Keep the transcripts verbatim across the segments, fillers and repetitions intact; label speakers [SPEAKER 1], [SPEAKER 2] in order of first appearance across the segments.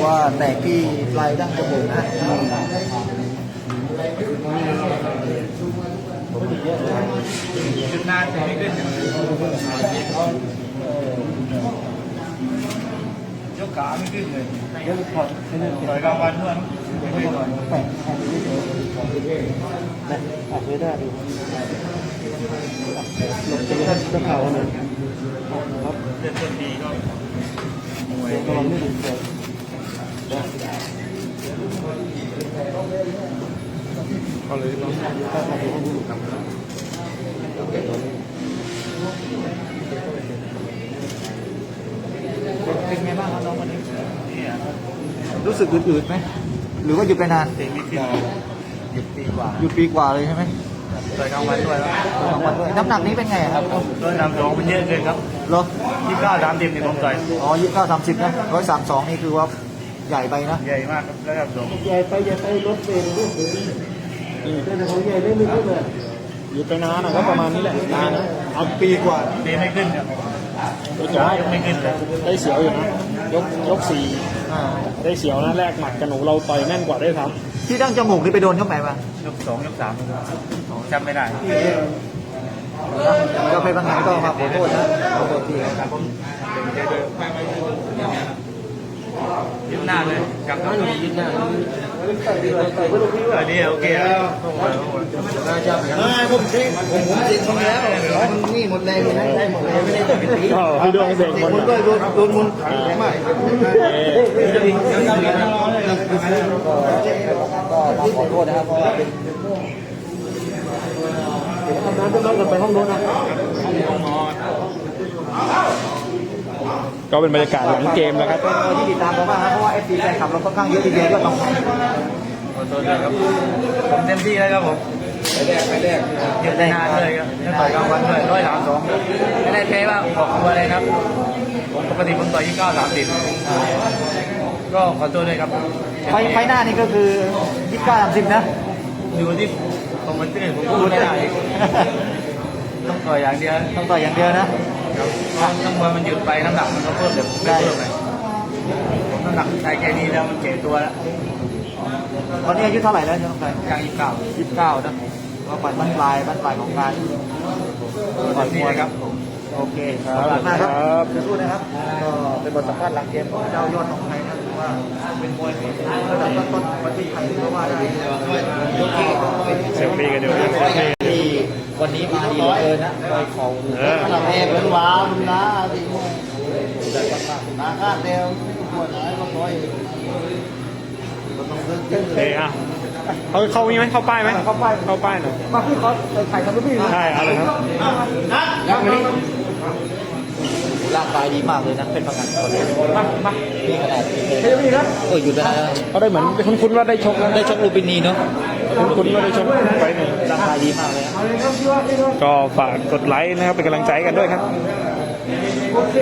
[SPEAKER 1] ว่าแตกที่ปลายดั้งจมูกนะ
[SPEAKER 2] จุดนานแต่ไม่ขึ้นยกขาไม่ขึ้นเลยยกถอดต่อยกลางวันด้วยไม่ต่อยแปะแปะไม่ได้ดูหลบจะไม่ได้จะเข่าเลยครับเล่นต้นดีก็มวยก็ไม่ดีเลยก็เลยต้องถ้าทำให้ดูครับเป็นไงบ้างครับน้องวันนี้
[SPEAKER 1] รู้สึกอืดๆไหมหรือว่าหยุดไปนาน
[SPEAKER 2] เตะไม่ขึ้นหยุดปีกว่า
[SPEAKER 1] หยุดปีกว่าเลยใช่ไหม
[SPEAKER 2] ต่อยกลางวันด้วยแล้ว
[SPEAKER 1] กลางวันด้วยน้ำหนักนี้เป็นไงครับ
[SPEAKER 2] ก็นำสองเป็นเยอะเลยครับ
[SPEAKER 1] เหรอ
[SPEAKER 2] ยี่สิบเก้าสามสิบนี่ผมต่อย
[SPEAKER 1] อ๋อยี่สิบเก้าสามสิบนะร้อยสามสองนี่คือว่าใหญ่ไปนะ
[SPEAKER 2] ใหญ่มากครับแล้วครับสอง
[SPEAKER 3] ใหญ่ไปใหญ่ไปรถเบรกลูกแต่ของใหญ่ได้ไม่ขึ้นเลยอยู่ไปนานนะก็ประมาณนี้แหละนานนะ
[SPEAKER 1] เอาปีกว่า
[SPEAKER 2] เตะไม่ขึ้นครับยกไม่ขึ้นเลย
[SPEAKER 3] ได้เสียวอยู่นะยกยกสี่ได้เสียวนะแรกหมัดกับหนูเราต่อยแน่นกว่าได้ครับ
[SPEAKER 1] ที่ดั้งจมูกนี่ไปโดนยกไหนมาย
[SPEAKER 2] กสองยกสามจำไม่ได้
[SPEAKER 1] ก็ไปบางงานก็มาขอโทษนะขอโทษทีครับ
[SPEAKER 2] ยืดหน้าเลยกลับมาอยู่ยืดหน้าอันนี้โอเคแล้ว
[SPEAKER 1] ผมเช็คผมผมเช็คมาแล้วนี่หมดแรงเลยนะได้หมดเลยไม่ได้ตัวเป็นตี
[SPEAKER 3] พี่ดวงเสกหมด
[SPEAKER 1] ด้วยโดนโดนมุนมากก็ขอโทษนะครับเพราะว่าเป็น
[SPEAKER 3] ทำน้ำต้องกันไปห้องโน้นนะก็เป็นบรรยากาศหลังเกมแล้วครับ
[SPEAKER 1] ที่ติดตามเราบ้างครับเพราะว่าเอฟซีแฟนคลับเราค่อนข้างเยอะทีเดียวก็ต้อง
[SPEAKER 2] ขอโทษด้วยครับผมเต็มที่แล้วครับผมไปแรกไปแรกหยุดนานเลยครับจะต่อยกลางวันด้วยร้อยสามสองไม่ได้แพ้ว่าขอบคุณอะไรครับผมปกติผมต่อยยี่สิบเก้าสามสิบก็ขอโทษด้วยครับ
[SPEAKER 1] ไฟไฟหน้านี่ก็คือยี่สิบเก้าสามสิบนะ
[SPEAKER 2] อยู่ที่ผมมันตื่นผมพูดไม่ได้ต้องต่อยอย่างเดียว
[SPEAKER 1] ต้องต่อยอย่างเดียวนะ
[SPEAKER 2] ต้องมวยมันหยุดไปน้ำหนักมันก็เพิ่มแบบไม่เพิ่มเลยผมน้ำหนักใช้แค่นี้แล้วมันเก่ตัวแล้ว
[SPEAKER 1] ตอนนี้อายุเท่าไหร่แล้วน้องชาย
[SPEAKER 2] กลางยี่สิบเก้า
[SPEAKER 1] ยี่สิบเก้านะว่าปัดบ้านปลายบ้านปลายของการ
[SPEAKER 2] ก่อนมวยครับ
[SPEAKER 1] โอเคขอบคุณมากครับสู้นะครับก็เป็นบทสัมภาษณ์หลังเกมของเจ้ายอดของไทยนะถือว่าเป็นมวยระดับต้นๆประเทศไทยเพราะว่าได้
[SPEAKER 3] เซลฟี่กันอยู่
[SPEAKER 1] ที่วันนี้มาดีเหลือเกินนะโดยเขาขนาดแรกเป็นว้าวลุงนะสิมาคาดเดียวปวดหายก็ร้อย
[SPEAKER 3] เฮ้ยอ่ะเขาเขามีไหมเข้าป้ายไหม
[SPEAKER 1] เข้าป้าย
[SPEAKER 3] เข้าป้ายหน่อย
[SPEAKER 1] มาพี่เขาถ่ายทำรูปพี่
[SPEAKER 3] ใช่เอาเลยครับ
[SPEAKER 1] แล้ววันนี้ร่างกายดีมากเลยนะเป็นประกันคนนี้มามาพี่ขนาดเฮ้ยพี่ครับเออหยุดไปแล้ว
[SPEAKER 3] เขาได้เหมือนคุ้นๆว่าได้ชก
[SPEAKER 1] ได้ชกลูบินีเนาะ
[SPEAKER 3] คุ้นๆว่าได้ชกไปหนึ่ง
[SPEAKER 1] ร่างกายดีมากเลย
[SPEAKER 3] ก็ฝากกดไลค์นะครับเป็นกำลังใจกันด้วยครับ
[SPEAKER 1] โอเค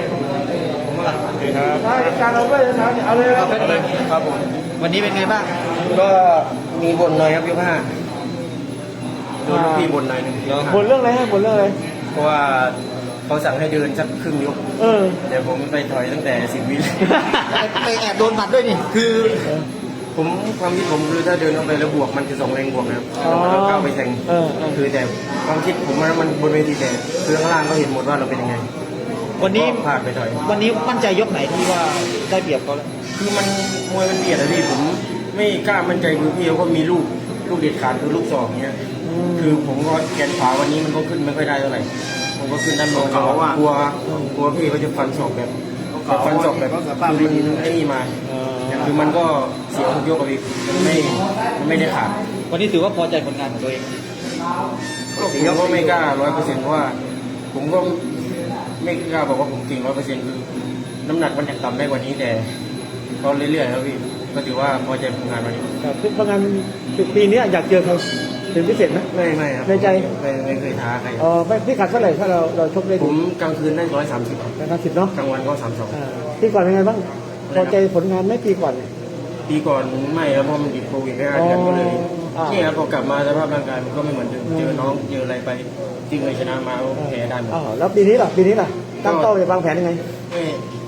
[SPEAKER 3] ครับ
[SPEAKER 1] การเราไปนะเอาเลยครับผมวันนี้เป็นไงบ้าง
[SPEAKER 2] ก็มีบนหน่อยครับยกห้าโดนพี่บนหน่อยนึง
[SPEAKER 3] บนเรื่องอะไรฮะบนเรื่องอะไร
[SPEAKER 2] เพราะว่าเขาสั่งให้เดินสักครึ่งยก
[SPEAKER 3] เออ
[SPEAKER 2] แต่ผมไปถอยตั้งแต่สิบวิ
[SPEAKER 1] ไปแอบโดนหมัดด้วยนี่คือ
[SPEAKER 2] ผมความคิดผมคือถ้าเดินออกไปแล้วบวกมันจะสองแรงบวกนะครับแล้วก้าวไปแทงคือแต่ความคิดผมว่ามันบนเวทีแต่คือข้างล่างก็เห็นหมดว่าเราเป็นยังไง
[SPEAKER 1] วันนี้
[SPEAKER 2] พลาดไปถอย
[SPEAKER 1] วันนี้มั่นใจยกไหนที่ว่าได้เปรียบเขาแล้ว
[SPEAKER 2] คือมันมวยมันเบียดอะพี่ผมไม่กล้ามั่นใจคือพี่เขาก็มีลูกลูกเด็ดขาดคือลูกสองเนี้ยคือผมก็แขนขวาวันนี้มันก็ขึ้นไม่ค่อยได้เท่าไหร่ผมก็ขึ้นด้านบนกลัวกลัวพี่เขาจะฟันศอกแบบฟันศอกแบบคือมันไอ้นี่มาคือมันก็เสียทุกยกกับพี่มันไม่ไม่ได้ขาด
[SPEAKER 1] วันนี้ถือว่าพอใจผลงานของตัวเอง
[SPEAKER 2] ผมก็ไม่กล้าร้อยเปอร์เซ็นต์เพราะว่าผมก็ไม่กล้าบอกว่าผมเก่งร้อยเปอร์เซ็นต์คือน้ำหนักมันยังต่ำได้กว่านี้แต่ก็เรื่อยๆครับพี่ก็ถือว่าพอใจผลงานวันนี้
[SPEAKER 3] ครับผลงานปีนี้อยากเจอเขาเป็นพิเศษไหม
[SPEAKER 2] ไม่ไม่ครับ
[SPEAKER 3] ในใจ
[SPEAKER 2] ไม่ไม่เคยท้าใคร
[SPEAKER 3] อ๋อไม่พี่ขัดเท่าไหร่ถ้าเราเราชกได้
[SPEAKER 2] ผมกลางคืนได้ร้อยสามสิบ
[SPEAKER 3] กลางคืนเนาะ
[SPEAKER 2] กลางวันก็สามสอง
[SPEAKER 3] ปีก่อนเป็นไงบ้างพอใจผลงานไม่ปีก่อน
[SPEAKER 2] ปีก่อนไม่ครับเพราะมันติดโควิดแค่เดือนก็เลยนี่ครับพอกลับมาสภาพร่างกายมันก็ไม่เหมือนเดิมเจอน้องเจออะไรไปที่เคยชนะมาแพ้ได้หมด
[SPEAKER 3] อ๋อแล้วปีนี้ล่ะปีนี้ล่ะตั้งเป้าจะวางแผนยังไง
[SPEAKER 2] ไม่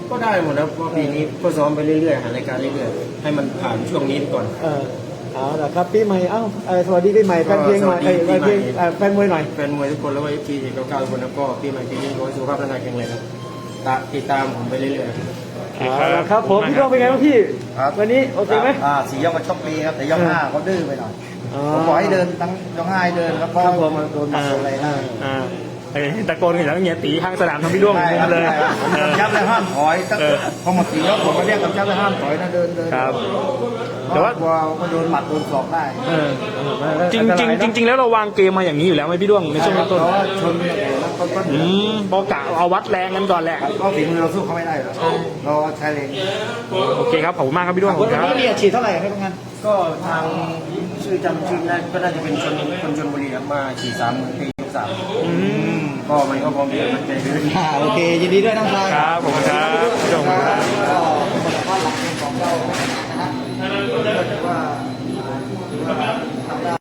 [SPEAKER 2] ก็ได้หมดนะเพราะปีนี้ก็ซ้อมไปเรื่อยๆหารายการเรื่อยๆให้มันผ่านช่วงนี้ไปก่อน
[SPEAKER 3] เออเอาละครับปีใหม่เอ้าเอ่อสวัสดีปีใหม่แฟนเพลงหน่อย
[SPEAKER 2] สวัสดี
[SPEAKER 3] เอ้ย
[SPEAKER 2] ปี
[SPEAKER 3] แฟน
[SPEAKER 2] ใหม่
[SPEAKER 3] เพลงเอ่อแฟนมวยหน่อย
[SPEAKER 2] แฟนมวยทุกคนแล้วก็เอฟซีเก้าเก้าทุกคนแล้วก็ปีใหม่ปีนี้ขอให้สุขภาพร่างกายแข็งแรงครับตาติดตามผมไปเรื่อยๆ
[SPEAKER 3] เอาละครับผมพี่โดงเป็นไงบ้างพี่
[SPEAKER 1] ครับ
[SPEAKER 3] วันนี้โอเคไหม
[SPEAKER 1] อ่าสี่ยกมันชกดีครับแต่ยกห้าเขาดื้อไปหน่อย
[SPEAKER 3] อ๋อ
[SPEAKER 1] ผมบอกให้เดินทั้งยกห้าให้เดินแล้วก็
[SPEAKER 3] ครับผม
[SPEAKER 1] มันโดนหมัดโดนอะไรนะ
[SPEAKER 3] อ่าไอ้ตะโกนกันแล้วเงี้ยตีข้างสนามทำพี่ด้วง
[SPEAKER 1] ใช่ครับ
[SPEAKER 3] เลย
[SPEAKER 1] ใช่ครับผม
[SPEAKER 3] เออก
[SPEAKER 1] ำชับเลยห้ามถอยตั้ง
[SPEAKER 3] เออ
[SPEAKER 1] พอหมดสี่ยกผมมาเรียกกำชับเลยห้ามถอยนะเดินเดิน
[SPEAKER 3] ครับ แต่
[SPEAKER 1] แต่
[SPEAKER 3] ว่า
[SPEAKER 1] ว่าพอโดนหมัดโดนศอกได้
[SPEAKER 3] เออจริงจริงจริงจริงแล้วเราวางเกมมาอย่างนี้อยู่แล้วไหมพี่ด้วงในช่วง
[SPEAKER 1] เพ
[SPEAKER 3] ต้น
[SPEAKER 1] ราะว่าชนแล้วก็ก็
[SPEAKER 3] ๆอืมบอกกะเอาวัดแรงกันก่อนแหละ
[SPEAKER 1] ก็ฝีมือเราสู้เขาไม่ได้หรอกเราใช้แรง
[SPEAKER 3] โอเคครับขอบคุณมากครับพี่ด้วง
[SPEAKER 1] วันนี้เนี่ยฉีดเท่าไหร่ให้พวกงั้น
[SPEAKER 2] ก็ทางชื่อจำชื่อได้ก็น่าจะเป็นชนคนชนบุรีครับมาขี่สามหมื่นปียกสาม
[SPEAKER 3] อืม
[SPEAKER 2] ก็มันก็พร้อมที่จะมันใจขึ้น
[SPEAKER 1] อ่าโอเคยินดีด้วยน้องชาย
[SPEAKER 3] ครับผมครับ